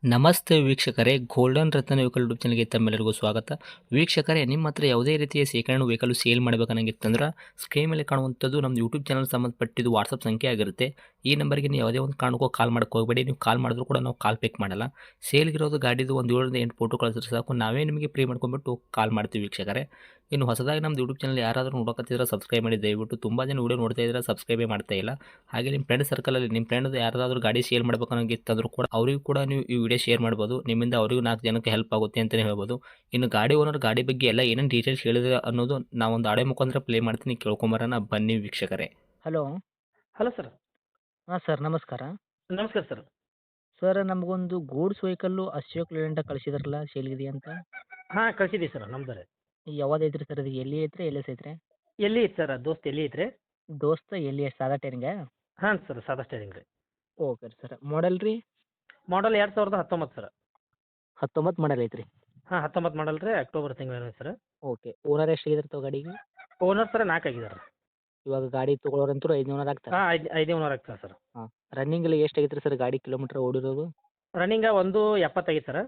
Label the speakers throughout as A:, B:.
A: ನಮಸ್ತೆ ವೀಕ್ಷಕರೇ, ಗೋಲ್ಡನ್ ರತ್ನ vehicle YouTube ಚಾನಲ್ಗೆ ತಮ್ಮೆಲ್ಲರಿಗೂ ಸ್ವಾಗತ. ವೀಕ್ಷಕರೇ, ನಿಮ್ಮ ಹತ್ರ ಯಾವುದೇ ರೀತಿಯ ಶೇಖರಣೆ ವೆಹಿಕಲ್ ಸೇಲ್ ಮಾಡಬೇಕನ್ನಂಗಿತ್ತಂದ್ರೆ ಸ್ಕ್ರೀನ್ ಮೇಲೆ ಕಾಣುವಂಥದ್ದು ನಮ್ಮ ಯೂಟ್ಯೂಬ್ ಚಾನಲ್ ಸಂಬಂಧಪಟ್ಟಿದ್ದು ವಾಟ್ಸಪ್ ಸಂಖ್ಯೆ ಆಗಿರುತ್ತೆ. ಈ ನಂಬರ್ಗೆ ನೀವು ಯಾವುದೇ ಒಂದು ಕಾರಣಕ್ಕೂ ಕಾಲ್ ಮಾಡೋಕೆ ಹೋಗಬೇಡಿ. ನೀವು ಕಾಲ್ ಮಾಡಿದ್ರು ಕೂಡ ನಾವು ಕಾಲ್ ಪಿಕ್ ಮಾಡಲ್ಲ. ಸೇಲ್ಗಿರೋದು ಗಾಡಿದು ಒಂದು 7ರಿಂದ 8 ಫೋಟೋ ಕಳಿಸಿದ್ರೆ ಸಾಕು, ನಾವೇ ನಿಮಗೆ ಪ್ರೀ ಮಾಡ್ಕೊಂಡ್ಬಿಟ್ಟು ಕಾಲ್ ಮಾಡ್ತೀವಿ ವೀಕ್ಷಕರೇ. ಇನ್ನು ಹೊಸದಾಗಿ ನಮ್ಮದು ಯೂಟ್ಯೂಬ್ ಚಾನಲ್ ಯಾರಾದರೂ ನೋಡೋಕತ್ತಿದ್ರೆ ಸಬ್ಸ್ಕ್ರೈಬ್ ಮಾಡಿ ದಯವಿಟ್ಟು. ತುಂಬ ಜನ ವೀಡಿಯೋ ನೋಡ್ತಾ ಇದ್ದಾರೆ, ಸಬ್ಸ್ಕ್ರೈಬೇ ಮಾಡ್ತಾ ಇಲ್ಲ. ಹಾಗೆ ನಿಮ್ಮ ಫ್ರೆಂಡ್ ಸರ್ಕಲಲ್ಲಿ ನಿಮ್ಮ ಫ್ರೆಂಡ್ ಯಾರಾದರೂ ಗಾಡಿ ಸೇಲ್ ಮಾಡಬೇಕನ್ನೋಂಗಿತ್ತಂದ್ರೂ ಕೂಡ ಅವರಿಗೂ ಕೂಡ ನೀವು ಈ ವಿಡಿಯೋ ಶೇರ್ ಮಾಡ್ಬೋದು. ನಿಮ್ಮಿಂದ ಅವರಿಗೂ 4 ಜನಕ್ಕೆ ಹೆಲ್ಪ್ ಆಗುತ್ತೆ ಅಂತಲೇ ಹೇಳ್ಬೋದು. ಇನ್ನು ಗಾಡಿ ಓನರ್ ಗಾಡಿ ಬಗ್ಗೆ ಎಲ್ಲ ಏನೇನು ಡೀಟೇಲ್ಸ್ ಹೇಳಿದ್ರೆ ಅನ್ನೋದು ನಾವೊಂದು ಆಡಿಯೋ ಮುಖಾಂತರ ಪ್ಲೇ ಮಾಡ್ತೀನಿ, ಕೇಳ್ಕೊಂಬರೋಣ ಬನ್ನಿ ವೀಕ್ಷಕರೇ. ಹಲೋ.
B: Hello sir.
A: ಹಾಂ ಸರ್, ನಮಸ್ಕಾರ.
B: ನಮಸ್ಕಾರ ಸರ್.
A: ಸರ್, ನಮಗೊಂದು ಗೂಡ್ಸ್ ವೆಹಿಕಲ್ಲು ಅಶೋಕ್ ಲೇಲ್ಯಾಂಡ ಕಳಿಸಿದ್ರಲ್ಲ, ಸೇಲ್ಗಿದೆ ಅಂತ.
B: ಹಾಂ ಕಳ್ಸಿದ್ದೀವಿ ಸರ್ ನಮ್ದು.
A: ಯಾವ್ದು ಐತ್ರಿ ಸರ್? ಅದು ಎಲ್ಲಿ ಐತ್ರಿ, ಎಲ್ಲಿ ಐತ್ರಿ?
B: ಎಲ್ಲಿ ಐತೆ ಸರ್ ದೋಸ್ತ್ ಎಲ್ಲಿ ಐತ್ರಿ?
A: ದೋಸ್ತ ಎಲ್ಲಿ ಸಾದಾ ಟೈರಿಂಗ?
B: ಹಾಂ ಸರ್ ಸಾದಾ ಸ್ಟೇರಿಂಗ್ ರೀ.
A: Okay sir. ಮಾಡಲ್ ರೀ?
B: ಮಾಡಲ್ 2019 ಸರ್.
A: 19 ಮಾಡಲ್ ಐತ್ರಿ.
B: ಹಾಂ 19 ಮಾಡಲ್ ರೀ, ಅಕ್ಟೋಬರ್ ತಿಂಗಳು ಸರ್.
A: ಓಕೆ. ಓನರ್ ಎಷ್ಟಾಗಿದ್ರೆ ತಾವು ಗಾಡಿಗೆ?
B: ಓನರ್ ಸರ್ 4 ಆಗಿದ್ದಾರೆ.
A: ಇವಾಗ ಗಾಡಿ ತೊಗೊಳೋರಂತೂ 5 ಓನರ್ ಆಗ್ತಾರೆ.
B: ಹಾಂ 5 ಓನರ್ ಆಗ್ತಾರೆ ಸರ್.
A: ಹಾಂ. ರನ್ನಿಂಗಲ್ಲಿ ಎಷ್ಟು ಆಗೈತ್ರಿ ಸರ್ ಗಾಡಿ ಕಿಲೋಮೀಟರ್ ಓಡಿರೋದು?
B: ರನ್ನಿಂಗ 1,70 ಆಗೈತೆ ಸರ್.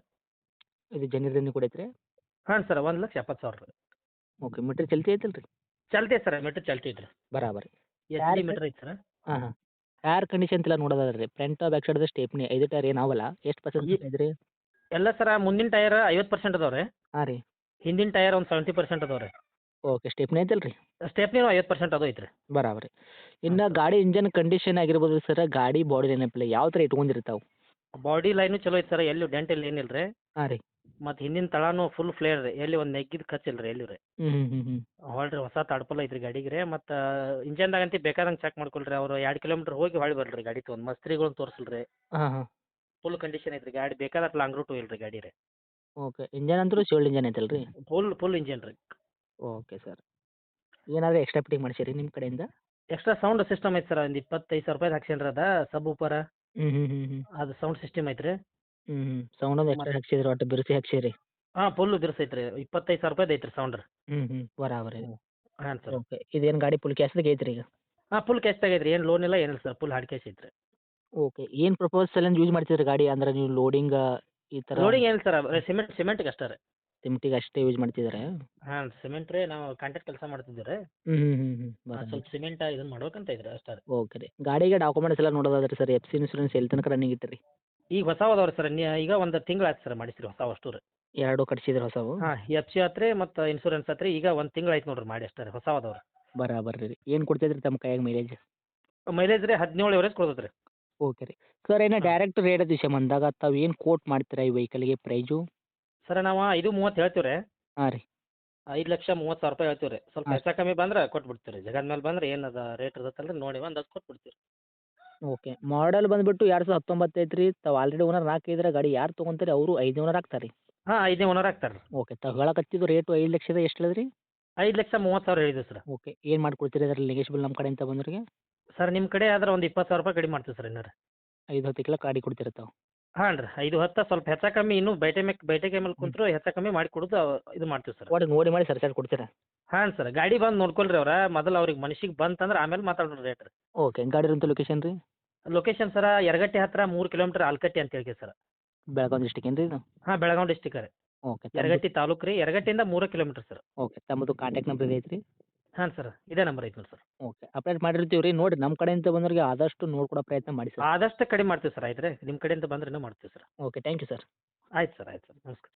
A: ಇದು ಜನ್ರಿ ರನ್ನಿಂಗ್ ಕೂಡ ಐತ್ರಿ?
B: ಹಾಂ ಸರ್ 1,70,000 ರೀ.
A: ಓಕೆ. ಮೀಟ್ರ್ ಚಲ್ತಿ ಐತಲ್ಲ ರೀ?
B: ಚಲ್ತಿ ಸರ್, ಮೀಟ್ರ್ ಚಲ್ತಿ ಐತ್ರಿ.
A: ಬರಾಬರಿ.
B: ಎಚ್ ಡಿ ಮೀಟ್ರ್ ಐತೆ ಸರ್.
A: ಹಾಂ ಹಾಂ. ಟೈರ್ ಕಂಡೀಷನ್ ಎಲ್ಲ ನೋಡೋದಾದ್ರೆ ರೀ, front back side stepney 5 tyre ಏನಾವಲ್ಲ, ಎಷ್ಟು ಪರ್ಸೆಂಟ್ ಐತ್ರಿ?
B: ಎಲ್ಲ ಸರ ಮುಂದಿನ ಟೈರ್ 50% ಅದಾವೆ ರೀ.
A: ಹಾಂ ರೀ.
B: ಹಿಂದಿನ ಟೈರ್ ಒಂದು 70% ಅದಾವೆ ರೀ.
A: ಓಕೆ. ಸ್ಟೇಪ್ನಿ ಐತಲ್ಲ ರೀ?
B: ಸ್ಟೆಪ್ನಿನೂ 50% ಅದು ಐತ್ರಿ.
A: ಬರಾಬರಿ. ಇನ್ನು ಗಾಡಿ ಇಂಜನ್ ಕಂಡೀಷನ್ ಆಗಿರ್ಬೋದು ಸರ್, ಗಾಡಿ ಬಾಡಿ ನೆನಪಿಲ್ಲ ಯಾವ ಥರ ಇಟ್ಕೊಂಡಿರ್ತಾವೆ?
B: ಬಾಡಿ ಲೈನು ಚಲೋ ಐತೆ ಸರ್, ಎಲ್ಲೂ ಡೆಂಟ್ ಇಲ್ಲ ಏನಿಲ್ಲ ರೀ.
A: ಹಾಂ ರೀ.
B: ಮತ್ತು ಹಿಂದಿನ ತಳಾನು ಫುಲ್ ಫ್ಲೇರ್ ರೀ, ಎಲ್ಲಿ ಒಂದು ನೆಗ್ಗಿದ ಕಚ್ಚಿಲ್ಲ ರೀ ಎಲ್ಲಿ ರೀ.
A: ಹ್ಞೂ ಹ್ಞೂ ಹ್ಞೂ ಹ್ಞೂ.
B: ಹೊಳ್ರಿ ಹೊಸ ತಡ್ಪಲ್ ಐತ್ರಿ ಗಾಡಿಗೆ ರೀ. ಮತ್ತು ಇಂಜನ್ದಾಗಂತಿ ಬೇಕಾದಂಗೆ ಚೆಕ್ ಮಾಡ್ಕೊಳ್ರಿ, ಅವರು 2 ಕಿಲೋಮೀಟ್ರ್ ಹೋಗಿ ಹೊಳ್ಳಿ ಬರ್ರಿ ಗಾಡಿ ತೊಗೊಂಡು ಮಸ್ತ್ರಿಗಳನ್ನ ತೋರಿಸಲ್ರಿ.
A: ಹಾಂ ಹಾಂ.
B: ಫುಲ್ ಕಂಡೀಷನ್ ಐತ್ರಿ ಗಾಡಿ, ಬೇಕಾದಷ್ಟು ಲಾಂಗ್ ರೂಟು ಇಲ್ಲ ರೀ ಗಾಡಿ ರೀ.
A: ಓಕೆ. ಇಂಜನ್ ಅಂತೂ ಶಿವಲ್ಡ್ ಇಂಜನ್ ಐತಲ್ಲ ರೀ?
B: ಫುಲ್ ಇಂಜನ್ ರೀ.
A: Okay sir. ಏನಾದರೂ ಎಕ್ಸ್ಟ್ರಾ ಫಿಟ್ಟಿಂಗ್ ಮಾಡಿಸಿರಿ ನಿಮ್ಮ ಕಡೆಯಿಂದ?
B: ಎಕ್ಸ್ಟ್ರಾ ಸೌಂಡ್ ಸಿಸ್ಟಮ್ ಐತೆ ಸರ್, ಒಂದು 25,000 ರೂಪಾಯಿ ಹಾಕ್ಸೇನ್ರಿ ಅದ ಸಬ್ ಉಪ್ಪರ.
A: ಹ್ಞೂ ಹ್ಞೂ ಹ್ಞೂ ಹ್ಞೂ.
B: ಅದು ಸೌಂಡ್ ಸಿಸ್ಟಮ್ ಐತ್ರಿ.
A: ಹ್ಞೂ ಹ್ಞೂ. ಸೌಂಡ್ ಒಂದು ಎಕ್ಸ್ಟ್ರಾ ಹಾಕ್ಸಿದ್ರಿ, ಒಟ್ಟು ಬಿರುಸಿ ಹಾಕ್ಸಿರಿ?
B: ಹಾಂ ಫುಲ್ ಬಿರ್ಸೈತ್ರಿ, 25,000 ರೂಪಾಯ್ದು ಐತ್ರಿ ಸೌಂಡ್ ರೀ.
A: ಹ್ಞೂ ಹ್ಞೂ. ಬರಾಬರಿ.
B: ಹಾಂ ಸರ್.
A: ಓಕೆ. ಇದೇನು ಗಾಡಿ ಫುಲ್ ಕ್ಯಾಶ್ದಾಗ ಐತ್ರಿ ಈಗ?
B: ಹಾಂ ಫುಲ್ ಕ್ಯಾಶ್ ಆಗೈತ್ರಿ, ಏನು ಲೋನ್ ಇಲ್ಲ ಏನಿಲ್ಲ ಸರ್, ಫುಲ್ ಹಾರ್ಡ್ ಕ್ಯಾಶ್ ಐತ್ರಿ.
A: ಓಕೆ. ಏನು ಪ್ರಪೋಸ್ ಸಲಂದು ಯೂಸ್ ಮಾಡ್ತಿದ್ರಿ ಗಾಡಿ? ಅಂದ್ರೆ ನೀವು ಲೋಡಿಂಗ್ ಈ ಥರ
B: ಲೋಡಿಂಗ್ ಏನಿಲ್ಲ ಸರ್, ಸಿಮೆಂಟ್ಗೆ ಅಷ್ಟೇ ರೀ.
A: ಸಿಮೆಂಟಿಗೆ ಅಷ್ಟೇ ಯೂಸ್ ಮಾಡ್ತಿದ್ದಾರೆ?
B: ಹಾಂ ಸಿಮೆಂಟ್ ರೀ, ನಾವು ಕಾಂಟ್ರಾಕ್ಟ್ ಕೆಲಸ ಮಾಡ್ತಿದ್ದೀವಿ ರೀ.
A: ಹ್ಞೂ ಹ್ಞೂ ಹ್ಞೂ ಹ್ಞೂ. ಬರಾಬರಿ.
B: ಸ್ವಲ್ಪ ಸಿಮೆಂಟ್ ಇದನ್ನು ಮಾಡ್ಬೇಕಂತ ಇದ್ರಿ ಅಷ್ಟೇ ರೀ.
A: ಓಕೆ ರೀ. ಗಾಡಿಗೆ ಡಾಕ್ಯುಮೆಂಟ್ಸ್ ಎಲ್ಲ ನೋಡೋದಾದ್ರೆ ಸರ್, ಎಫ್ ಸಿ ಇನ್ಸೂರೆನ್ಸ್ ಎಲ್ಲಿ ತನಕ ರನ್ನಿಂಗ್ ಇಟ್ಟಿರಿ?
B: ಈಗ ಹೊಸಾವು ಅದಾವೆ ರೀ ಸರ್, ಈಗ ಒಂದು ತಿಂಗಳು ಆಯ್ತು ಸರ್ ಮಾಡಿಸ್ರಿ ಹೊಸಾವು ಅಷ್ಟು ರೀ.
A: 2 ಕಟ್ಸಿದ್ರಿ ಹೊಸವು?
B: ಹಾಂ ಎಫ್ ಸಿ ಆತ್ರಿ ಮತ್ತು ಇನ್ಶೂರೆನ್ಸ್ ಆತ್ರಿ, ಈಗ 1 ತಿಂಗಳು ಆಯ್ತು ನೋಡ್ರಿ ಮಾಡಿ ಅಷ್ಟೇ ರೀ, ಹೊಸಾವು ಅದಾವೆ ರೀ.
A: ಬರಾಬರ್ರಿ ರೀ. ಏನು ಕೊಡ್ತೈತ್ರಿ ತಮ್ಮ ಕೈಯಾಗ ಮೈಲೇಜ್?
B: ಮೈಲೇಜ್ ರೀ 17 ಎವರೇಜ್ ಕೊಡ್ತೈತೆ ರೀ.
A: ಓಕೆ ರೀ. ಸರ್, ಏನೋ
B: ಹಾಂ
A: ಡೈರೆಕ್ಟ್ ರೇಟ್ ವಿಷಯ ಬಂದಾಗ ತಾವು ಏನು ಕೋಟ್ ಮಾಡ್ತೀರಾ ಈ ವೆಹಿಕಲ್ಗೆ ಪ್ರೈಜು?
B: ಸರ್ ನಾವು 5,30 ಹೇಳ್ತೀವಿ ರೀ.
A: ಹಾಂ ರೀ.
B: 5,30,000 ರೂಪಾಯಿ ಹೇಳ್ತೀವಿ ರೀ. ಸ್ವಲ್ಪ
A: ಹಾಂ.
B: ಹೆಚ್ಚು ಕಮ್ಮಿ ಬಂದ್ರೆ ಕೊಟ್ಬಿಡ್ತೀವಿ ರೀ, ಜಗದ ಮೇಲೆ ಬಂದ್ರೆ ಏನದ ರೇಟ್ ಇರ್ತೈತಲ್ಲ ರೀ, ನೋಡಿ ಒಂದು ಅದು ಕೊಟ್ಬಿಡ್ತೀವಿ ರೀ.
A: ಓಕೆ. ಮಾಡಲ್ ಬಂದುಬಿಟ್ಟು 2019 ಐತ್ರಿ. ತಾವು ಆಲ್ರೆಡಿ ಓನರ್ 4 ಇದ್ರೆ ಗಾಡಿ ಯಾರು ತೊಗೊಂತಾರೆ ಅವರು 5 ಓನರ್ ಆಗ್ತಾರೆ ರೀ?
B: ಹಾಂ 5ನೇ ಓನರ್ ಆಗ್ತಾರೆ ರೀ.
A: ಓಕೆ. ತಾವು ಹೇಳಕತ್ತಿದ್ದು ರೇಟು 5 ಲಕ್ಷದ ಎಷ್ಟು ಹೇಳಿದ್ರಿ?
B: 5,30,000 ಹೇಳಿದ್ದೀವಿ ಸರ್.
A: ಓಕೆ. ಏನು ಮಾಡ್ಕೊಡ್ತೀರಿ ಅದರಲ್ಲಿ ನೆಗೆಶ್ಬಲ್ ನಮ್ಮ ಕಡೆಯಿಂದ ಬಂದವ್ರಿಗೆ?
B: ಸರ್ ನಿಮ್ಮ ಕಡೆ ಆದ್ರೆ ಒಂದು 20,000 ರೂಪಾಯಿ ಕಡಿಮೆ ಮಾಡ್ತೀವಿ ಸರ್ ಇನ್ನೂ ರೀ.
A: 5 10 ಗಾಡಿ ಕೊಡ್ತೀರ ತಾವು?
B: ಹಾಂ ರೀ 5, 10 ಸ್ವಲ್ಪ ಹೆಚ್ಚು ಕಮ್ಮಿ ಇನ್ನೂ ಬೈಟೆ ಮೇಲೆ ಕುಂತ್ರು ಹೆಚ್ಚು ಕಮ್ಮಿ ಮಾಡಿ ಕೊಡೋದು ಇದು ಮಾಡ್ತೀವಿ ಸರ್.
A: ಒಟ್ಟು ನೋಡಿ ಮಾಡಿ ಸರ್ ಕೊಡ್ತೀರಾ?
B: ಹಾಂ ಸರ್, ಗಾಡಿ ಬಂದು ನೋಡ್ಕೊಳ್ರಿ ಅವ್ರ ಮೊದಲು, ಅವ್ರಿಗೆ ಮನಸ್ಸಿಗೆ ಬಂತಂದ್ರೆ ಆಮೇಲೆ ಮಾತಾಡೋಣ ರೇಟ್ ರೀ.
A: ಓಕೆ. ಗಾಡಿ ಇರೋಂಥ ಲೊಕೇಶನ್ ರೀ?
B: ಲೊಕೇಶನ್ ಸರ ಯರಗಟ್ಟಿ ಹತ್ತಿರ 3 ಕಿಲೋಮೀಟರ್ ಆಲ್ಕಟ್ಟಿ ಅಂತ ಹೇಳಿ ಸರ್.
A: ಬೆಳಗಾವಿ ಡಿಸ್ಟಿಕ್ ಏನು ರೀ ಇದು?
B: ಹಾಂ ಬೆಳಗಾವಿ ಡಿಸ್ಟಿಕ್ ರೀ.
A: ಓಕೆ.
B: ಯರಗಟ್ಟಿ ತಾಲೂಕು ರೀ, ಯರಗಟ್ಟಿಯಿಂದ 3 ಕಿಲೋಮೀಟರ್ ಸರ್.
A: ಓಕೆ. ತಮ್ಮದು ಕಾಂಟ್ಯಾಕ್ಟ್ ನಂಬರ್ ಇದೆ ಐತ್ರಿ?
B: ಹಾಂ ಸರ್, ಇದೇ ನಂಬರ್ ಐತೆ ನೋಡಿ ಸರ್.
A: ಓಕೆ. ಅಪ್ಡೇಟ್ ಮಾಡಿರ್ತೀವಿ ರೀ. ನೋಡಿ ನಮ್ಮ ಕಡೆಯಿಂದ ಬಂದವ್ರಿಗೆ ಆದಷ್ಟು ನೋಡ್ಕೊಡೋ ಪ್ರಯತ್ನ ಮಾಡಿ ಸರ್.
B: ಆದಷ್ಟು ಕಡಿಮೆ ಮಾಡ್ತೀವಿ ಸರ್, ಆಯ್ತು ರೀ, ನಿಮ್ಮ ಕಡೆಯಿಂದ ಬಂದ್ರೆ ಇನ್ನೂ ಮಾಡ್ತೀವಿ sir.
A: Okay. Thank you sir.
B: ಆಯ್ತು ಸರ್, ಆಯ್ತು ಸರ್, ನಮಸ್ಕಾರ.